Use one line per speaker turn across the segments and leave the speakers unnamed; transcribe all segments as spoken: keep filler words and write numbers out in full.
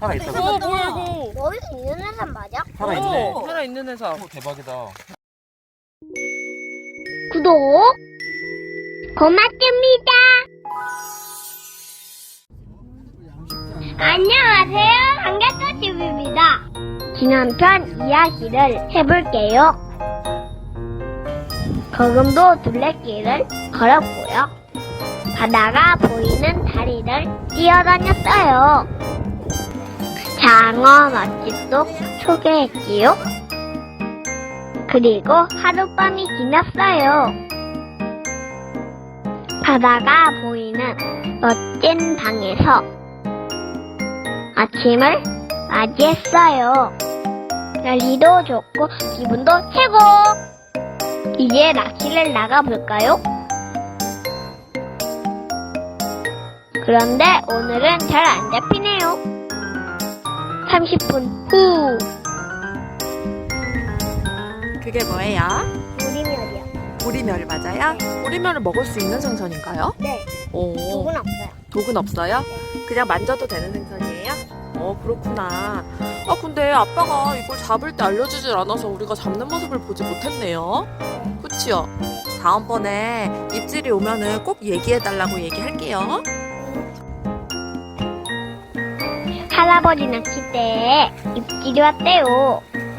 살아있다고?
어 뭐야 이거?
여기 있는 해삼 맞아?
살아있네.
어, 살아있는 해삼.
오, 대박이다.
구독 고맙습니다. 안녕하세요. 삼겹살집입니다. 지난편 이야기를 해볼게요. 거금도 둘레길을 걸었고요. 바다가 보이는 다리를 뛰어다녔어요. 장어 맛집도 소개했지요. 그리고 하룻밤이 지났어요. 바다가 보이는 멋진 방에서 아침을 맞이했어요. 날씨도 좋고 기분도 최고! 이제 낚시를 나가볼까요? 그런데 오늘은 잘 안 잡히네요. 삼십 분 후.
그게 뭐예요?
우리멸이요.
보리멸 맞아요? 보리멸을 먹을 수 있는 생선인가요?
네.
오.
누군 없어요.
독은 없어요?
네.
그냥 만져도 되는 생선이에요? 어 그렇구나. 아 근데 아빠가 이걸 잡을 때 알려주질 않아서 우리가 잡는 모습을 보지 못했네요. 그치요? 다음번에 입질이 오면은 꼭 얘기해달라고 얘기할게요.
할아버지 낚싯대에 입질이 왔대요.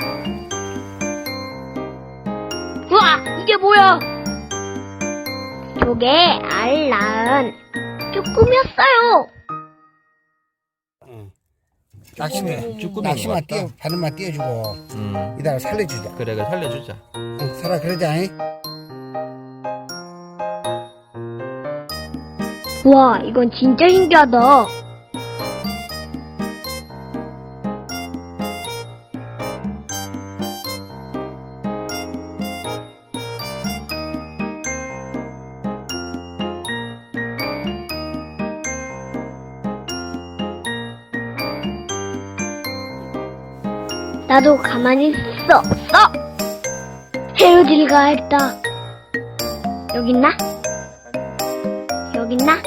우와! 이게 뭐야? 조개 알 낳은 쭈꾸미였어요.
낚시만,
쭈꾸미
낚시만
같다.
띄워, 바늘만 띄워주고,
음.
이따가 살려주자.
그래, 그래, 살려주자.
응, 살아, 그러자, 잉?
우와, 이건 진짜 신기하다. 나도 가만히 있을 수 없어. 헤어질 가야겠다. 여기 있나? 여기 있나?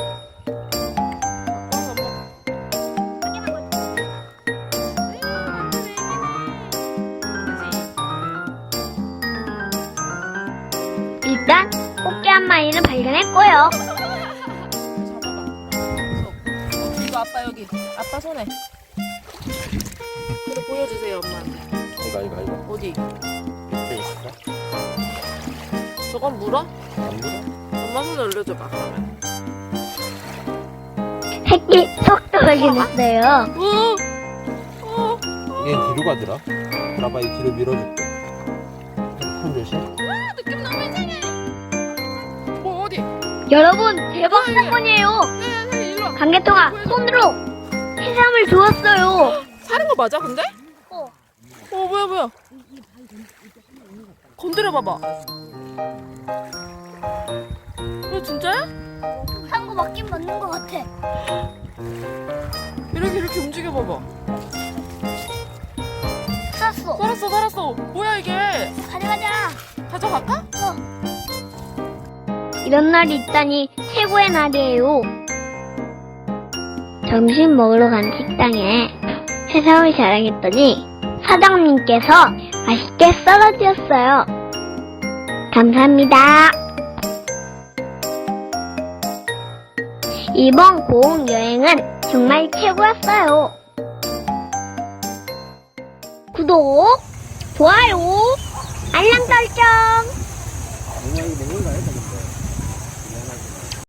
일단 꽃게 한 마리는 발견했고요.
이거 아빠 여기. 아빠 손에. 그래 보여주세요 엄마한테.
이거, 이거, 이거.
어디?
밑에 있어?
저건 물어?
안 물어?
엄마 손에 올려줘봐 그러면.
새끼 속도 발견했어요.
어? 어?
얘 뒤로 가더라. 봐봐, 이 뒤로 밀어줄게. 손 조심.
느낌 너무 이상해. 뭐 어디?
여러분 대박 사건이에요.
네, 일로 와.
강개통아 손으로 해삼을 주웠어요.
사는 거 맞아 근데?
어.
어 뭐야 뭐야. 건드려 봐봐. 이거 진짜야?
한 거 맞긴 맞는 거 같아.
이렇게 이렇게 움직여 봐봐.
샀어.
살았어 살았어. 뭐야 이게?
가져가자.
가져갈까?
이런 날이 있다니 최고의 날이에요. 점심 먹으러 간 식당에 해삼을 자랑했더니 사장님께서 맛있게 썰어주셨어요. 감사합니다. 이번 고흥 여행은 정말 최고였어요. 구독, 좋아요, 알람 설정